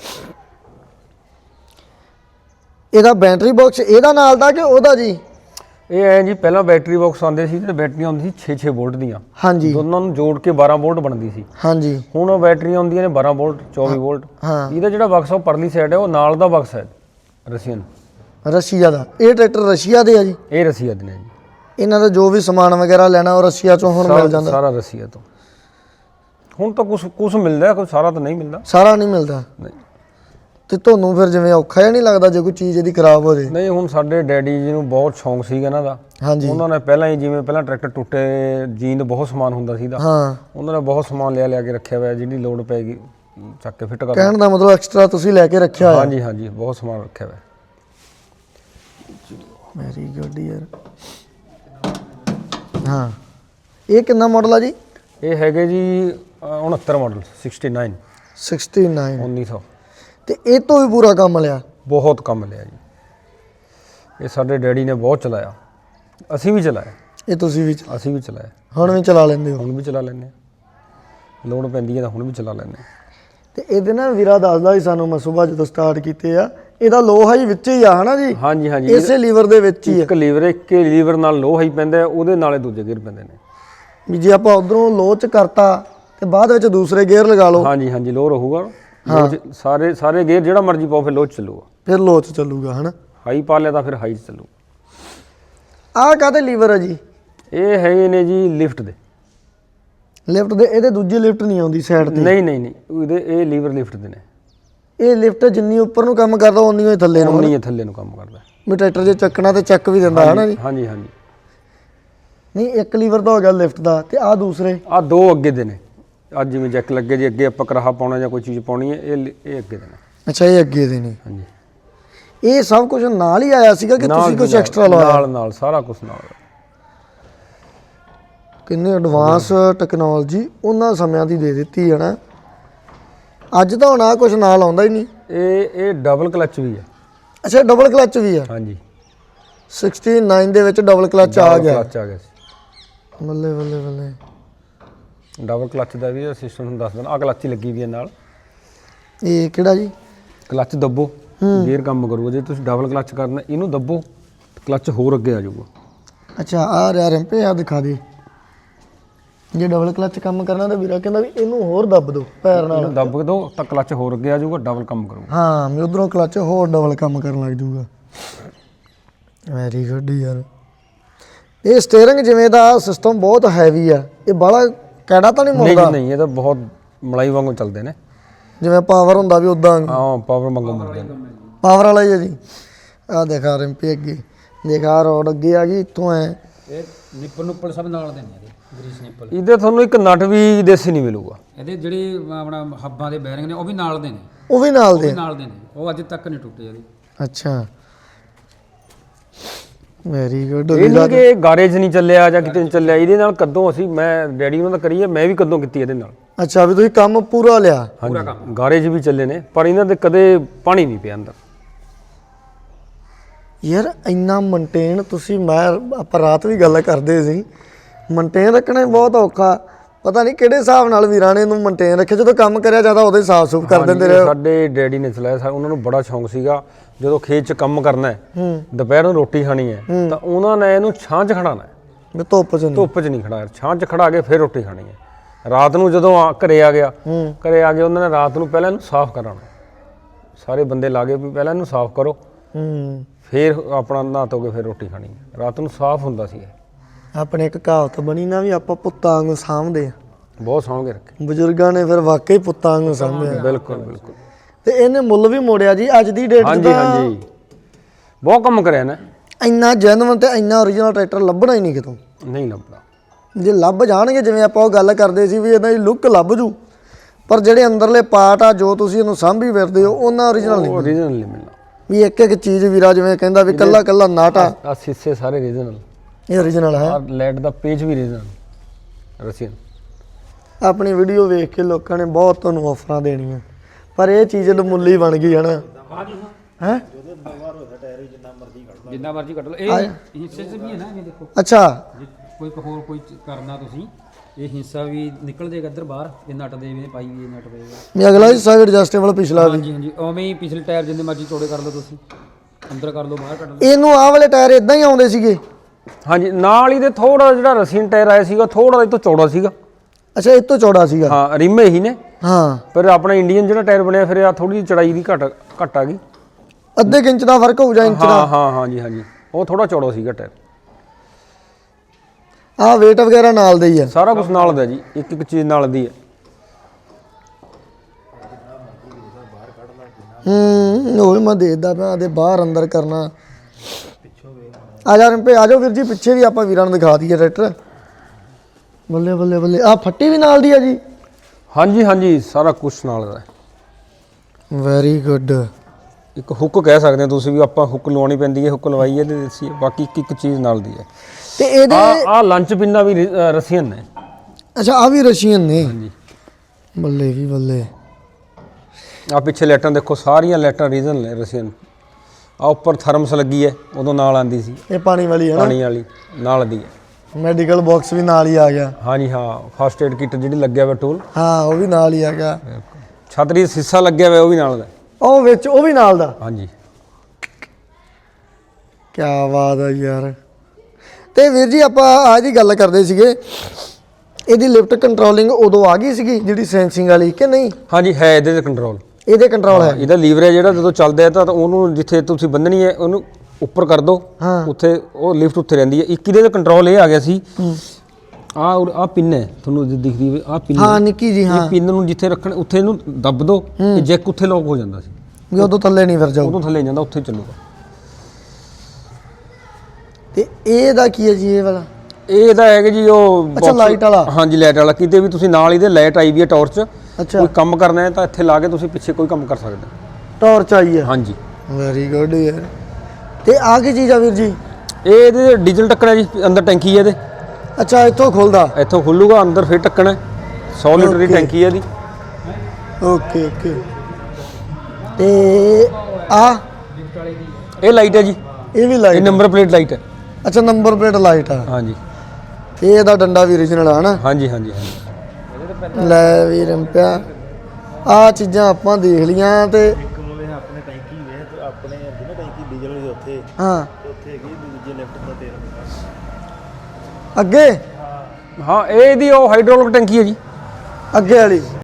ਇਹਦਾ ਬੈਟਰੀ ਬਾਕਸ ਇਹਦਾ ਨਾਲ ਦਾ ਕਿ ਉਹਦਾ ਜੀ? ਇਹ ਐ ਜੀ, ਪਹਿਲਾਂ ਬੈਟਰੀ ਬਾਕਸ ਆਉਂਦੇ ਸੀ ਤੇ ਬੈਟਰੀਆਂ ਆਉਂਦੀ ਸੀ 6-6 ਵੋਲਟ ਦੀਆਂ। ਹਾਂਜੀ ਦੋਨਾਂ ਨੂੰ ਜੋੜ ਕੇ 12 ਵੋਲਟ ਬਣਦੀ ਸੀ। ਹਾਂਜੀ ਹੁਣ ਉਹ ਬੈਟਰੀਆਂ ਆਉਂਦੀਆਂ ਨੇ 12 ਵੋਲਟ 24 ਵੋਲਟ। ਹਾਂ ਇਹਦਾ ਜਿਹੜਾ ਬਕਸ ਉਹ ਪਰਲੀ ਸਾਈਡ ਹੈ ਉਹ ਨਾਲ ਦਾ ਬਕਸ ਹੈ ਰਸ਼ੀਅਨ। ਰਸ਼ੀਆ ਦਾ ਇਹ ਟਰੈਕਟਰ ਰਸ਼ੀਆ ਦੇ ਆ ਜੀ? ਇਹ ਰਸ਼ੀਆ ਦੇ ਨੇ ਜੀ। ਇਹਨਾਂ ਦਾ ਜੋ ਵੀ ਸਮਾਨ ਵਗੈਰਾ ਲੈਣਾ ਉਹ ਰਸ਼ੀਆ ਚੋਂ ਹੁਣ ਮਿਲ ਜਾਂਦਾ? ਸਾਰਾ ਰਸ਼ੀਆ ਤੋਂ। ਹੁਣ ਤਾਂ ਕੁਝ ਮਿਲਦਾ, ਕੋਈ ਸਾਰਾ ਤਾਂ ਨਹੀਂ ਮਿਲਦਾ। ਸਾਰਾ ਨਹੀਂ ਮਿਲਦਾ? ਨਹੀਂ। ਤੇ ਤੁਹਾਨੂੰ ਫਿਰ ਜਿਵੇਂ ਔਖਾ ਜਿਹਾ ਨਹੀਂ ਲੱਗਦਾ ਜੇ ਕੋਈ ਚੀਜ਼ ਇਹਦੀ ਖਰਾਬ ਹੋ ਜੇ? ਨਹੀਂ, ਹੁਣ ਸਾਡੇ ਡੈਡੀ ਜੀ ਨੂੰ ਬਹੁਤ ਸ਼ੌਂਕ ਸੀਗਾ ਇਹਨਾਂ ਦਾ। ਹਾਂਜੀ ਉਹਨਾਂ ਨੇ ਪਹਿਲਾਂ ਹੀ, ਜਿਵੇਂ ਪਹਿਲਾਂ ਟਰੈਕਟਰ ਟੁੱਟੇ ਜੀਂਦ ਬਹੁਤ ਸਮਾਨ ਹੁੰਦਾ ਸੀਗਾ, ਹਾਂ ਉਹਨਾਂ ਨੇ ਬਹੁਤ ਸਮਾਨ ਲਿਆ ਕੇ ਰੱਖਿਆ ਹੋਇਆ, ਜਿਹੜੀ ਲੋਡ ਪੈਗੀ ਚੱਕ ਕੇ ਫਿੱਟ ਕਰ। ਕਹਿਣ ਦਾ ਮਤਲਬ ਐਕਸਟਰਾ ਤੁਸੀਂ ਲੈ ਕੇ ਰੱਖਿਆ ਹੋਇਆ? ਹਾਂਜੀ ਹਾਂਜੀ ਬਹੁਤ ਸਮਾਨ ਰੱਖਿਆ ਹੋਇਆ। ਵੈਰੀ ਗੁੱਡ ਯਾਰ। ਹਾਂ ਇਹ ਕਿੰਨਾ ਮਾਡਲ ਆ ਜੀ? ਇਹ ਹੈਗੇ ਜੀ 69 ਮਾਡਲ 69 69 1900। ਤੇ ਇਹ ਤੋਂ ਵੀ ਪੂਰਾ ਕੰਮ ਲਿਆ? ਬਹੁਤ ਕੰਮ ਲਿਆ ਜੀ। ਇਹ ਸਾਡੇ ਡੈਡੀ ਨੇ ਬਹੁਤ ਚਲਾਇਆ, ਅਸੀਂ ਵੀ ਚਲਾਇਆ। ਇਹ ਤੁਸੀਂ ਵੀ ਅਸੀਂ ਵੀ ਚਲਾਇਆ, ਹੁਣ ਵੀ ਚਲਾ ਲੈਂਦੇ ਹੋ? ਹੁਣ ਵੀ ਚਲਾ ਲੈਂਦੇ ਹਾਂ, ਲੋਡ ਪੈਂਦੀ ਹੈ ਤਾਂ ਹੁਣ ਵੀ ਚਲਾ ਲੈਂਦੇ ਹਾਂ। ਤੇ ਇਹਦੇ ਨਾਲ ਵੀਰਾ ਦੱਸਦਾ ਸੀ ਸਾਨੂੰ, ਮੈਂ ਸੁਬਾਹ ਜਦੋਂ ਸਟਾਰਟ ਕੀਤੇ ਆ, ਇਹਦਾ ਲੋਹਾ ਹੀ ਵਿੱਚ ਹੀ ਆ ਹਨਾ ਜੀ? ਹਾਂਜੀ ਹਾਂਜੀ ਇਸੇ ਲੀਵਰ ਦੇ ਵਿੱਚ ਹੀ ਆ। ਇੱਕ ਲੀਵਰ ਨਾਲ ਲੋਹਾ ਹੀ ਪੈਂਦਾ, ਉਹਦੇ ਨਾਲੇ ਦੂਜੇ ਗੇਅਰ ਪੈਂਦੇ ਨੇ। ਵੀ ਜੇ ਆਪਾਂ ਉਧਰੋਂ ਲੋਹ ਚ ਕਰਤਾ ਤੇ ਬਾਅਦ ਵਿੱਚ ਦੂਸਰੇ ਗੇਅਰ ਲਗਾ ਲਓ। ਹਾਂਜੀ ਹਾਂਜੀ ਲੋਹ ਰਹੂਗਾ। ਸਾਰੇ ਗੇਅਰ ਜਿਹੜਾ ਮਰਜ਼ੀ ਪਾਓ ਫਿਰ ਲੋਹ ਚ ਚੱਲੂਗਾ। ਫਿਰ ਲੋਹ ਚ ਚੱਲੂਗਾ ਹਨਾ? ਹਾਈ ਪਾ ਲਿਆ ਤਾਂ ਫਿਰ ਹਾਈ ਚ ਚੱਲੂ। ਆਹ ਕਾਹਦੇ ਲੀਵਰ ਆ ਜੀ? ਇਹ ਹੈਗੇ ਨੇ ਜੀ ਲਿਫਟ ਦੇ। ਲਿਫਟ ਦੇ? ਇਹਦੇ ਦੂਜੀ ਲਿਫਟ ਨਹੀਂ ਆਉਂਦੀ ਸਾਈਡ ਤੇ? ਨਹੀਂ ਇਹ ਲੀਵਰ ਲਿਫਟ ਦੇ ਨੇ। ਇਹ ਲਿਫਟ ਜਿੰਨੀ ਉੱਪਰ ਨੂੰ ਕੰਮ ਕਰਦਾ ਉਨੀ ਹੀ ਥੱਲੇ ਨੂੰ? ਉਨੀ ਹੀ ਥੱਲੇ ਨੂੰ ਕੰਮ ਕਰਦਾ। ਵੀ ਟਰੈਕਟਰ ਜੇ ਚੱਕਣਾ ਤੇ ਚੱਕ ਵੀ ਦਿੰਦਾ ਹਨਾ ਜੀ? ਹਾਂਜੀ ਹਾਂਜੀ। ਨਹੀਂ ਇੱਕ ਲੀਵਰ ਤਾਂ ਹੋ ਗਿਆ ਲਿਫਟ ਦਾ, ਤੇ ਆਹ ਦੂਸਰੇ? ਆਹ ਦੋ ਅੱਗੇ ਦੇ ਨੇ। ਅੱਜ ਜਿਵੇਂ ਜੈਕ ਲੱਗੇ ਜੀ, ਅੱਗੇ ਆਪਾਂ ਕਰਾਹਾ ਪਾਉਣਾ ਜਾਂ ਕੋਈ ਚੀਜ਼ ਪਾਉਣੀ ਹੈ, ਇਹ ਅੱਗੇ ਦੇ ਨੇ। ਅੱਛਾ ਇਹ ਅੱਗੇ ਦੇ ਨੇ। ਹਾਂਜੀ ਇਹ ਸਭ ਕੁਝ ਨਾਲ ਹੀ ਆਇਆ ਸੀਗਾ ਕਿ ਤੁਸੀਂ ਕੁਝ ਐਕਸਟਰਾ ਲਵਾਇਆ? ਨਾਲ ਸਾਰਾ ਕੁਝ ਨਾਲ। ਕਿੰਨੀ ਐਡਵਾਂਸ ਟੈਕਨੋਲੋਜੀ ਉਹਨਾਂ ਸਮਿਆਂ ਦੀ ਦੇ ਦਿੱਤੀ ਹੈ ਨਾ। ਅੱਜ ਤਾਂ ਹੁਣ ਆ ਕੁਝ ਨਾਲ ਆਉਂਦਾ ਹੀ ਨਹੀਂ। ਇਹ ਡਬਲ ਕਲਚ ਵੀ ਹੈ। ਅੱਛਾ ਡਬਲ ਕਲਚ ਵੀ ਆ? ਹਾਂਜੀ 69 ਦੇ ਵਿੱਚ ਡਬਲ ਕਲਚ ਆ ਗਿਆ? ਕਲਚ ਆ ਗਿਆ ਸੀ। ਬੱਲੇ ਬੱਲੇ ਬੱਲੇ। ਡਬਲ ਕਲਚ ਦਾ ਵੀ ਸਿਸਟਮ ਨੂੰ ਦੱਸ ਦੇਣਾ। ਆ ਕਲਚ ਹੀ ਲੱਗੀ ਵੀ ਹੈ ਨਾਲ। ਇਹ ਕਿਹੜਾ ਜੀ? ਕਲਚ ਦੱਬੋ ਗੇਅਰ ਕੰਮ ਕਰੂਗਾ। ਜੇ ਤੁਸੀਂ ਡਬਲ ਕਲਚ ਕਰਨਾ, ਇਹਨੂੰ ਦੱਬੋ ਕਲਚ ਹੋਰ ਅੱਗੇ ਆ ਜਾਊਗਾ। ਅੱਛਾ ਆ ਰਿਹਾ ਰਿੰਪੇ, ਆ ਦਿਖਾ ਦੇ। ਜੇ ਡਬਲ ਕਲਚ ਕੰਮ ਕਰਨਾ ਤਾਂ ਵੀਰਾ ਕਹਿੰਦਾ ਵੀ ਇਹਨੂੰ ਹੋਰ ਦੱਬ ਦਿਓ ਪੈਰ ਨਾਲ। ਇਹਨੂੰ ਦੱਬ ਦੋ ਤਾਂ ਕਲਚ ਹੋਰ ਅੱਗੇ ਆ ਜਾਊਗਾ, ਡਬਲ ਕੰਮ ਕਰੂਗਾ। ਹਾਂ ਵੀ ਉਧਰੋਂ ਕਲਚ ਹੋਰ ਡਬਲ ਕੰਮ ਕਰਨ ਲੱਗ ਜਾਊਗਾ। ਵੈਰੀ ਗੁੱਡ ਯਾਰ। ਇਹ ਸਟੀਅਰਿੰਗ ਜਿਵੇਂ ਦਾ ਸਿਸਟਮ ਬਹੁਤ ਹੈਵੀ ਆ, ਇਹ ਬਾਹਲਾ ਕੈੜਾ ਤਾਂ ਨਹੀਂ ਮੁੜਦਾ? ਨਹੀਂ ਇਹ ਤਾਂ ਬਹੁਤ ਮਲਾਈ ਵਾਂਗੂ ਚੱਲਦੇ ਨੇ। ਜਿਵੇਂ ਪਾਵਰ ਹੁੰਦਾ ਵੀ ਉਦਾਂ? ਹਾਂ ਪਾਵਰ ਵਾਂਗੂ ਮੁੜਦੇ ਨੇ। ਪਾਵਰ ਵਾਲਾ ਹੀ ਹੈ ਜੀ। ਆਹ ਦੇਖਾ ਰਿੰਪੇ ਅੱਗੇ, ਦੇਖਾ ਰੋਡ ਅੱਗੇ ਆ ਗਈ ਇੱਥੋਂ ਐ। ਇਹ ਨਿੱਪਲ ਸਭ ਨਾਲ ਦੇ ਨੇ ਇਹਦੇ, ਗਰੀਸ ਨਿੱਪਲ। ਇਹਦੇ ਤੁਹਾਨੂੰ ਇੱਕ ਨਟ ਵੀ ਦੇਸੀ ਨਹੀਂ ਮਿਲੂਗਾ। ਇਹਦੇ ਜਿਹੜੇ ਆਪਣਾ ਹੱਬਾਂ ਦੇ ਬੈਰਿੰਗ ਨੇ ਉਹ ਵੀ ਨਾਲ ਦੇ ਨੇ। ਉਹ ਵੀ ਨਾਲ ਦੇ? ਨਾਲ ਦੇ ਨੇ, ਉਹ ਅੱਜ ਤੱਕ ਨਹੀਂ ਟੁੱਟੇ ਇਹਦੇ। ਅੱਛਾ ਵੈਰੀ ਗੁੱਡ। ਇਹ ਨਹੀਂ ਕਿ ਗਾਰੇਜ ਨਹੀਂ ਚੱਲਿਆ ਜਾਂ ਕਿਤੇ ਨਹੀਂ ਚੱਲਿਆ। ਇਹਦੇ ਨਾਲ ਕਦੋਂ ਮੈਂ ਡੈਡੀ ਉਹਨਾਂ ਦਾ ਕਰੀਏ, ਮੈਂ ਵੀ ਕਦੋਂ ਕੀਤੀ ਇਹਦੇ ਨਾਲ। ਅੱਛਾ ਵੀ ਤੁਸੀਂ ਕੰਮ ਪੂਰਾ ਲਿਆ? ਹਾਂਜੀ ਗਾਰੇਜ ਵੀ ਚੱਲੇ ਨੇ, ਪਰ ਇਹਨਾਂ ਦੇ ਕਦੇ ਪਾਣੀ ਨਹੀਂ ਪਿਆ ਅੰਦਰ। ਯਾਰ ਇੰਨਾ ਮੇਨਟੇਨ ਤੁਸੀਂ, ਆਪਾਂ ਰਾਤ ਵੀ ਗੱਲ ਕਰਦੇ ਸੀ, ਮੇਨਟੇਨ ਰੱਖਣਾ ਬਹੁਤ ਔਖਾ। ਪਤਾ ਨਹੀਂ ਕਿਹੜੇ ਹਿਸਾਬ ਨਾਲ ਵੀਰਾਂ ਨੇ ਇਹਨੂੰ ਮੇਨਟੇਨ ਰੱਖਿਆ। ਜਦੋਂ ਕੰਮ ਕਰਿਆ ਜਾਂਦਾ ਉਦੋਂ ਹੀ ਸਾਫ਼ ਸੁਫ ਕਰ ਦਿੰਦੇ ਰਹੇ। ਸਾਡੇ ਡੈਡੀ ਨੇ ਚਲਾਇਆ, ਉਹਨਾਂ ਨੂੰ ਬੜਾ ਸ਼ੌਂਕ ਸੀਗਾ। ਜਦੋਂ ਖੇਤ 'ਚ ਕੰਮ ਕਰਨਾ ਹੈ, ਦੁਪਹਿਰ ਨੂੰ ਰੋਟੀ ਖਾਣੀ ਹੈ, ਤਾਂ ਉਹਨਾਂ ਨੇ ਇਹਨੂੰ ਛਾਂ 'ਚ ਖੜਾਉਣਾ ਹੈ। ਵੀ ਧੁੱਪ 'ਚ ਨਹੀਂ? ਧੁੱਪ 'ਚ ਨਹੀਂ ਖੜਾਇਆ, ਛਾਂ 'ਚ ਖੜਾ ਕੇ ਫਿਰ ਰੋਟੀ ਖਾਣੀ ਹੈ। ਰਾਤ ਨੂੰ ਜਦੋਂ ਘਰੇ ਆ ਗਿਆ ਉਹਨਾਂ ਨੇ ਰਾਤ ਨੂੰ ਪਹਿਲਾਂ ਇਹਨੂੰ ਸਾਫ਼ ਕਰਾਉਣਾ। ਸਾਰੇ ਬੰਦੇ ਲਾ ਕੇ ਵੀ ਪਹਿਲਾਂ ਇਹਨੂੰ ਸਾਫ਼ ਕਰੋ, ਫਿਰ ਆਪਣਾ ਨਹਾ ਧੋ ਕੇ ਫਿਰ ਰੋਟੀ ਖਾਣੀ ਹੈ। ਰਾਤ ਨੂੰ ਸਾਫ਼ ਹੁੰਦਾ ਸੀ ਇਹ। ਆਪਣੇ ਇੱਕ ਕਹਾਵਤ ਬਣੀ ਨਾ ਵੀ ਆਪਾਂ ਪੁੱਤਾਂ ਵਾਂਗੂ ਸਾਂਭਦੇ ਆ, ਬਹੁਤ ਸਾਂਭ ਕੇ ਰੱਖੇ। ਬਜ਼ੁਰਗਾਂ ਨੇ ਫਿਰ ਵਾਕਈ ਪੁੱਤਾਂ ਵਾਂਗੂ ਸਾਂਭਿਆ। ਬਿਲਕੁਲ ਬਿਲਕੁਲ। ਤੇ ਇਹਨੇ ਮੁੱਲ ਵੀ ਮੋੜਿਆ ਜੀ ਅੱਜ ਦੀ ਡੇਟ 'ਚ ਹਾਂਜੀ ਤਾਂ ਹਾਂਜੀ, ਬਹੁਤ ਕੰਮ ਕਰਿਆ ਨਾ। ਇੰਨਾ ਜੈਨੂਇਨ ਤੇ ਇੰਨਾ ਓਰੀਜਨਲ ਟਰੈਕਟਰ ਲੱਭਣਾ ਹੀ ਨਹੀਂ ਕਿਤੋਂ। ਨਹੀਂ ਲੱਭਦਾ। ਜੇ ਲੱਭ ਜਾਣਗੇ, ਜਿਵੇਂ ਆਪਾਂ ਉਹ ਗੱਲ ਕਰਦੇ ਸੀ ਵੀ ਇਹਦਾ ਲੁੱਕ ਲੱਭ ਜੂ, ਪਰ ਜਿਹੜੇ ਅੰਦਰਲੇ ਪਾਰਟ ਆ ਜੋ ਤੁਸੀਂ ਇਹਨੂੰ ਸਾਂਭੀ ਫਿਰਦੇ ਹੋ ਉਹਨਾਂ ਓਰੀਜਨਲ ਨਹੀਂ। ਓਰੀਜਨਲ ਨਹੀਂ ਮਿਲਣਾ ਵੀ ਇੱਕ ਇੱਕ ਚੀਜ਼ ਵੀਰਾ ਜਿਵੇਂ ਕਹਿੰਦਾ ਵੀ ਕੱਲਾ ਕੱਲਾ ਨਾਟਾ ਆ ਸਿੱਸੇ ਸਾਰੇ ਰੀਜਨਲ। ਇਹ ਓਰੀਜਨਲ ਹੈ। ਆ ਲੈਟ ਦਾ ਪੇਜ ਵੀ ਰੀਜਨਲ ਰਸੀਅਨ। ਆਪਣੀ ਵੀਡੀਓ ਵੇਖ ਕੇ ਲੋਕਾਂ ਨੇ ਬਹੁਤ ਤੁਹਾਨੂੰ ਆਫਰਾਂ ਦੇਣੀਆਂ, ਪਰ ਇਹ ਚੀਜ਼ ਮੁੱਲ ਹੀ ਬਣ ਗਈ ਹੈ ਨਾ। ਹੈ ਜਿੰਨਾ ਮਰਜ਼ੀ ਕੱਢ ਲਓ। ਇਹ ਹਿੱਸੇ 'ਚ ਵੀ ਹੈ ਨਾ, ਇਹ ਦੇਖੋ। ਅੱਛਾ, ਜੇ ਕੋਈ ਹੋਰ ਕੋਈ ਕਰਨਾ ਤੁਸੀਂ, ਇਹ ਹਿੱਸਾ ਵੀ ਨਿਕਲ ਜਾਏਗਾ ਇੱਧਰ ਬਾਹਰ। ਇਹ ਨਟ ਦੇ ਵੀ ਪਾਈ ਵੀ ਨਟ ਦੇ। ਵੀ ਅਗਲਾ ਹਿੱਸਾ ਵੀ ਐਡਜਸਟੇਬਲ ਪਿਛਲਾ ਵੀ। ਹਾਂਜੀ ਹਾਂਜੀ, ਉਵੇਂ ਹੀ ਪਿਛਲੇ ਟਾਇਰ ਜਿੰਨੇ ਮਰਜ਼ੀ ਚੌੜੇ ਕਰ ਲਓ ਤੁਸੀਂ, ਅੰਦਰ ਕਰ ਲਓ ਬਾਹਰ ਕੱਢ ਲਓ। ਇਹਨੂੰ ਆਹ ਵਾਲੇ ਟਾਇਰ ਇਦਾਂ ਹੀ ਆਉਂਦੇ ਸੀਗੇ। ਹਾਂਜੀ, ਨਾਲ ਹੀ ਦੇ ਥੋੜਾ ਜਿਹੜਾ ਰਸੀਨ ਟਾਇਰ ਆਇਆ ਸੀਗਾ ਥੋੜਾ ਇਹ ਤੋਂ ਚੌੜਾ ਸੀਗਾ। ਅੱਛਾ, ਇਹ ਤੋਂ ਚੌੜਾ ਸੀਗਾ। ਹਾਂ, ਰਿਮੇ ਹੀ ਨੇ। ਹਾਂ, ਫਿਰ ਆਪਣਾ ਇੰਡੀਅਨ ਜਿਹੜਾ ਟਾਇਰ ਬਣਿਆ ਫਿਰ ਆ ਥੋੜੀ ਜਿਹੀ ਚੜਾਈ ਦੀ ਘਟ ਆ ਗਈ। ਅੱਧੇ ਕੁ ਇੰਚ ਦਾ ਫਰਕ ਹੋਊ ਜਾਂ ਇੰਚ ਦਾ। ਹਾਂ ਹਾਂਜੀ ਹਾਂਜੀ, ਉਹ ਥੋੜਾ ਚੌੜਾ ਸੀਗਾ ਟਾਇਰ। ਆਹ weight ਵਗੈਰਾ ਨਾਲ ਦੇ ਹੀ ਆ। ਸਾਰਾ ਕੁਝ ਨਾਲ ਦਾ ਜੀ, ਇੱਕ ਇੱਕ ਚੀਜ਼ ਨਾਲ ਦੀ ਹੈ। ਉਹ ਮੈਂ ਦੇਖਦਾ ਪਿਆ ਦੇ ਬਾਹਰ ਅੰਦਰ ਕਰਨਾ। ਆ ਜਾ ਰਿੰਪੇ, ਆ ਜਾਓ ਵੀਰ ਜੀ, ਪਿੱਛੇ ਵੀ ਆਪਾਂ ਵੀਰਾਂ ਨੂੰ ਦਿਖਾ ਦਈਏ ਟਰੈਕਟਰ। ਬੱਲੇ ਬੱਲੇ ਬੱਲੇ, ਆਹ ਫੱਟੀ ਵੀ ਨਾਲ ਦੀ ਆ ਜੀ। ਹਾਂਜੀ ਹਾਂਜੀ, ਸਾਰਾ ਕੁਝ ਨਾਲ ਦਾ ਹੈ। Very good. ਇੱਕ ਹੁੱਕ ਕਹਿ ਸਕਦੇ ਹੋ ਤੁਸੀਂ ਵੀ, ਆਪਾਂ ਹੁੱਕ ਲਵਾਉਣੀ ਪੈਂਦੀ ਹੈ, ਹੁੱਕ ਲਵਾਈ ਹੈ ਤੇ ਦੇਸੀ ਹੈ। ਬਾਕੀ ਇੱਕ ਇੱਕ ਚੀਜ਼ ਨਾਲ ਦੀ ਹੈ। ਤੇ ਇਹਦੇ ਆ ਲੰਚ ਪਿੰਨਾ ਵੀ ਰਸੀਅਨ ਨੇ। ਅੱਛਾ, ਆ ਵੀ ਰਸ਼ੀਅਨ ਨੇ। ਹਾਂਜੀ, ਬੱਲੇ ਵੀ ਬੱਲੇ। ਆ ਪਿੱਛੇ ਲਾਈਟਾਂ ਦੇਖੋ, ਸਾਰੀਆਂ ਲਾਈਟਾਂ ਰੀਜਨਲ ਨੇ ਰਸੀਅਨ। ਆ ਉੱਪਰ ਥਰਮਸ ਲੱਗੀ ਹੈ, ਉਦੋਂ ਨਾਲ ਆਂਦੀ ਸੀ ਇਹ ਪਾਣੀ ਵਾਲੀ ਹੈ ਨਾ। ਪਾਣੀ ਵਾਲੀ ਨਾਲ ਦੀ ਹੈ। ਮੈਡੀਕਲ ਬਾਕਸ ਵੀ ਨਾਲ ਹੀ ਆ ਗਿਆ। ਹਾਂਜੀ ਹਾਂ, ਫਸਟ ਏਡ ਕਿੱਟ ਜਿਹੜੀ ਲੱਗਿਆ ਹੋਇਆ ਟੂਲ, ਹਾਂ, ਉਹ ਵੀ ਨਾਲ ਹੀ ਆ ਗਿਆ। ਛਤਰੀ ਸੀਸਾ ਲੱਗਿਆ ਹੋਇਆ ਉਹ ਵੀ ਨਾਲ ਦਾ। ਉਹ ਵਿੱਚ ਉਹ ਵੀ ਨਾਲ ਦਾ। ਹਾਂਜੀ, ਕੀ ਬਾਤ ਆ ਯਾਰ। ਤੇ ਵੀਰ ਜੀ ਆਪਾਂ ਆਹ ਦੀ ਗੱਲ ਕਰਦੇ ਸੀਗੇ, ਇਹਦੀ ਲਿਫਟ ਕੰਟਰੋਲਿੰਗ ਉਦੋਂ ਆ ਗਈ ਸੀਗੀ ਜਿਹੜੀ ਸੈਂਸਿੰਗ ਵਾਲੀ ਕਿ ਨਹੀਂ? ਹਾਂਜੀ ਹੈ ਇਹਦੇ ਤੇ ਕੰਟਰੋਲ। ਇਹਦੇ ਕੰਟਰੋਲ ਹੈ। ਇਹਦਾ ਲੀਵਰ ਹੈ ਜਿਹੜਾ ਜਦੋਂ ਚੱਲਦਾ ਹੈ ਤਾਂ ਉਹਨੂੰ ਜਿੱਥੇ ਤੁਸੀਂ ਬੰਨਣੀ ਹੈ ਉਹਨੂੰ ਉੱਪਰ ਕਰ ਦੋ, ਉੱਥੇ ਉਹ ਲਿਫਟ ਉੱਥੇ ਰਹਿੰਦੀ ਹੈ। ਇੱਕ ਇਹਦੇ ਕੰਟਰੋਲ ਇਹ ਆ ਗਿਆ ਸੀ, ਆ ਪਿੰਨ ਹੈ ਤੁਹਾਨੂੰ ਦਿਖਦੀ ਹੋਵੇ, ਆ ਪਿੰਨ। ਹਾਂ, ਨਿੱਕੀ ਜੀ। ਹਾਂ, ਇਹ ਪਿੰਨ ਨੂੰ ਜਿੱਥੇ ਰੱਖਣ ਉੱਥੇ ਇਹਨੂੰ ਦੱਬ ਦੋ, ਤੇ ਜੈਕ ਉੱਥੇ ਲੋਕ ਹੋ ਜਾਂਦਾ ਸੀ। ਵੀ ਉਦੋਂ ਥੱਲੇ ਨਹੀਂ ਫਿਰ ਜਾਊ। ਉਦੋਂ ਥੱਲੇ ਜਾਂਦਾ, ਉੱਥੇ ਚੱਲੂਗਾ। ਤੇ ਇਹਦਾ ਕੀ ਹੈ ਜੀ ਇਹ ਵਾਲਾ? ਇਹ ਇਹਦਾ ਹੈਗਾ ਜੀ ਉਹ ਅੱਛਾ, ਲਾਈਟ ਵਾਲਾ। ਹਾਂਜੀ, ਲਾਈਟ ਵਾਲਾ। ਕਿਤੇ ਵੀ ਤੁਸੀਂ ਨਾਲ ਇਹਦੇ ਲਾਈਟ ਆਈ ਵੀ ਹੈ ਟਾਰਚ। ਅੱਛਾ, ਕੋਈ ਕੰਮ ਕਰਨਾ ਹੈ ਤਾਂ ਇੱਥੇ ਲਾ ਕੇ ਤੁਸੀਂ ਪਿੱਛੇ ਕੋਈ ਕੰਮ ਕਰ ਸਕਦੇ ਹੋ। ਟਾਰਚ ਆਈ ਹੈ। ਹਾਂਜੀ, ਵੈਰੀ ਗੁੱਡ ਯਾਰ। ਤੇ ਆ ਕੀ ਚੀਜ਼ ਆ ਵੀਰ ਜੀ? ਇਹ ਇਹਦੇ ਡੀਜ਼ਲ ਢੱਕਣਾ ਜੀ, ਅੰਦਰ ਟੈਂਕੀ ਹੈ ਇਹਦੇ। ਅੱਛਾ, ਇੱਥੋਂ ਖੁੱਲਦਾ। ਇੱਥੋਂ ਖੁੱਲੂਗਾ, ਅੰਦਰ ਫਿਰ ਢੱਕਣਾ। 100 ਲੀਟਰ ਦੀ ਟੈਂਕੀ ਹੈ ਇਹਦੀ। Okay okay. ਤੇ ਆ ਇਹ ਲਾਈਟ ਹੈ ਜੀ, ਇਹ ਵੀ ਇਹ ਲਾਈਟ। ਨੰਬਰ ਪਲੇਟ ਲਾਈਟ ਹੈ। ਅੱਛਾ, ਨੰਬਰ ਪਲੇਟ ਲਾਈਟ ਆ। ਹਾਂਜੀ ਤੇ ਇਹਦਾ ਡੰਡਾ ਵੀ ਓਰੀਜਨਲ ਆ ਨਾ। ਹਾਂਜੀ ਹਾਂਜੀ ਹਾਂਜੀ। ਲੈ ਵੀ ਰੰਪਿਆ, ਆ ਚੀਜ਼ਾਂ ਆਪਾਂ ਦੇਖ ਲੀਆਂ। ਤੇ ਆਪਣੇ ਟੈਂਕੀ ਵੇ ਆਪਣੇ ਜਿਹਨਾਂ ਟੈਂਕੀ ਡੀਜ਼ਲ ਦੀ ਉੱਥੇ ਹਾਂ, ਉੱਥੇ ਹੈਗੀ ਦੂਜੇ ਲਿਫਟ ਦਾ ਤੇਲ। ਅੱਗੇ ਹਾਂ, ਇਹ ਇਹਦੀ ਉਹ ਹਾਈਡ੍ਰੋਲਿਕ ਟੈਂਕੀ ਹੈ ਜੀ। ਅੱਗੇ ਵਾਲੀ